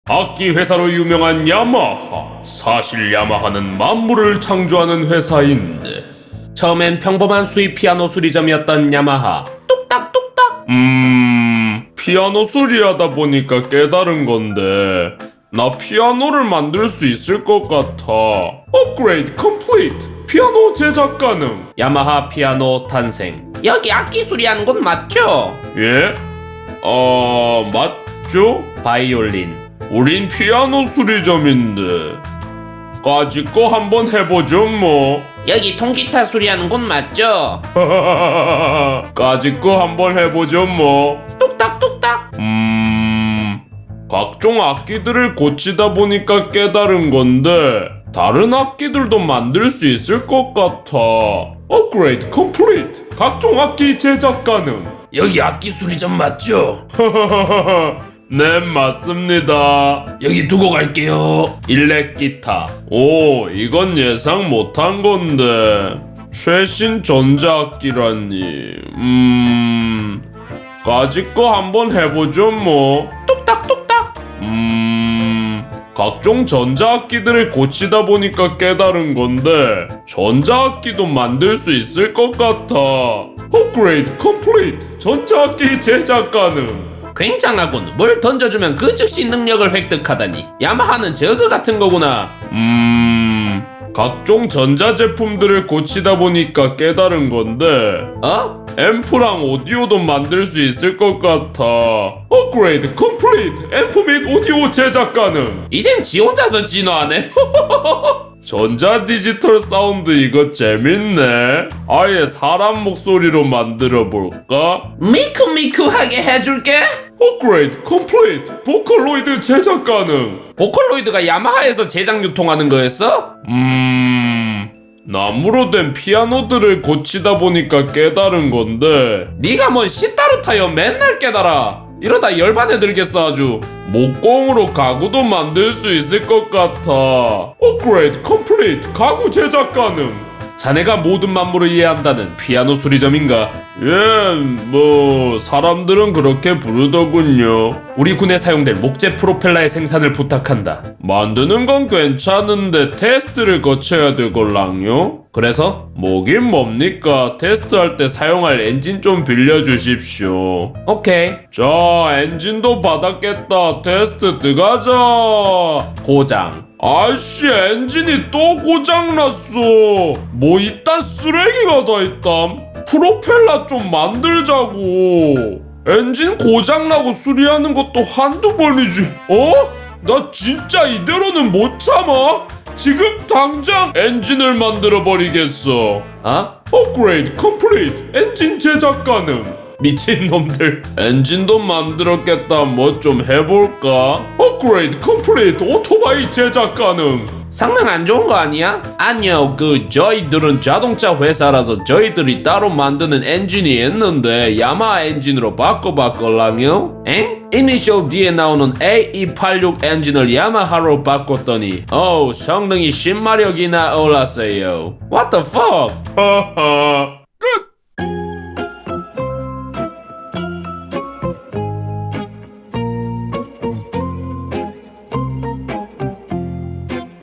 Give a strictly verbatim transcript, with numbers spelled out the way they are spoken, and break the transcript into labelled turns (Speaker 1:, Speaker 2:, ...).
Speaker 1: 악기 회사로 유명한 야마하. 사실 야마하는 만물을 창조하는 회사인데 처음엔 평범한 수입 피아노 수리점이었던 야마하. 뚝딱뚝딱. 음... 피아노 수리하다 보니까 깨달은 건데 나 피아노를 만들 수 있을 것 같아. 업그레이드 컴플리트. 피아노 제작 가능. 야마하 피아노 탄생.
Speaker 2: 여기 악기 수리하는 곳 맞죠?
Speaker 1: 예? 어... 맞죠?
Speaker 2: 바이올린.
Speaker 1: 우린 피아노 수리점인데 까짓 거 한번 해보죠 뭐.
Speaker 2: 여기 통기타 수리하는 곳 맞죠?
Speaker 1: 까짓 거 한번 해보죠 뭐.
Speaker 2: 뚝딱뚝딱.
Speaker 1: 음... 각종 악기들을 고치다 보니까 깨달은 건데 다른 악기들도 만들 수 있을 것 같아. 업그레이드 컴플리트. 각종 악기 제작 가능.
Speaker 2: 여기 악기 수리점 맞죠?
Speaker 1: 네, 맞습니다.
Speaker 2: 여기 두고 갈게요.
Speaker 1: 일렉 기타. 오, 이건 예상 못한 건데 최신 전자악기라니. 음... 까짓 거 한번 해보죠 뭐.
Speaker 2: 뚝딱뚝딱.
Speaker 1: 음... 각종 전자악기들을 고치다 보니까 깨달은 건데 전자악기도 만들 수 있을 것 같아. 업그레이드 컴플리트. 전자악기 제작 가능.
Speaker 2: 굉장하군. 뭘 던져주면 그 즉시 능력을 획득하다니. 야마하는 저그 같은 거구나.
Speaker 1: 음... 각종 전자제품들을 고치다 보니까 깨달은 건데
Speaker 2: 어?
Speaker 1: 앰프랑 오디오도 만들 수 있을 것 같아. 업그레이드 컴플리트. 앰프 및 오디오 제작 가능.
Speaker 2: 이젠 지 혼자서 진화하네.
Speaker 1: 전자 디지털 사운드 이거 재밌네. 아예 사람 목소리로 만들어 볼까?
Speaker 2: 미쿠미쿠하게 해줄게.
Speaker 1: 업그레이드 컴플리트. 보컬로이드 제작 가능.
Speaker 2: 보컬로이드가 야마하에서 제작 유통하는 거였어?
Speaker 1: 음... 나무로 된 피아노들을 고치다 보니까 깨달은 건데
Speaker 2: 네가 뭔 시타르타여 맨날 깨달아. 이러다 열반에 들겠어 아주.
Speaker 1: 목공으로 가구도 만들 수 있을 것 같아. 업그레이드 컴플리트. 가구 제작 가능. 자네가 모든 만물을 이해한다는 피아노 수리점인가? 예, 뭐 사람들은 그렇게 부르더군요.
Speaker 2: 우리 군에 사용될 목재 프로펠러의 생산을 부탁한다.
Speaker 1: 만드는 건 괜찮은데 테스트를 거쳐야 되걸랑요?
Speaker 2: 그래서?
Speaker 1: 뭐긴 뭡니까? 테스트할 때 사용할 엔진 좀 빌려주십시오.
Speaker 2: 오케이.
Speaker 1: 자, 엔진도 받았겠다. 테스트 들어가자.
Speaker 2: 고장.
Speaker 1: 아이씨, 엔진이 또 고장났어. 뭐 이딴 쓰레기가 다 있담. 프로펠러 좀 만들자고. 엔진 고장나고 수리하는 것도 한두 번이지. 어? 나 진짜 이대로는 못 참아. 지금 당장 엔진을 만들어 버리겠어.
Speaker 2: 어?
Speaker 1: 업그레이드 컴플리트. 엔진 제작 가능.
Speaker 2: 미친놈들.
Speaker 1: 엔진도 만들었겠다. 뭐 좀 해볼까? 업그레이드 컴플리트. 오토바이 제작 가능.
Speaker 2: 성능 안 좋은 거 아니야? 아니요, 그 저희들은 자동차 회사라서 저희들이 따로 만드는 엔진이 있는데 야마하 엔진으로 바꿔봤걸랑요? 엥? 이니셜 D에 나오는 에이 이팔육 엔진을 야마하로 바꿨더니 어우 성능이 십 마력이나 올랐어요. What the fuck?
Speaker 1: 하하.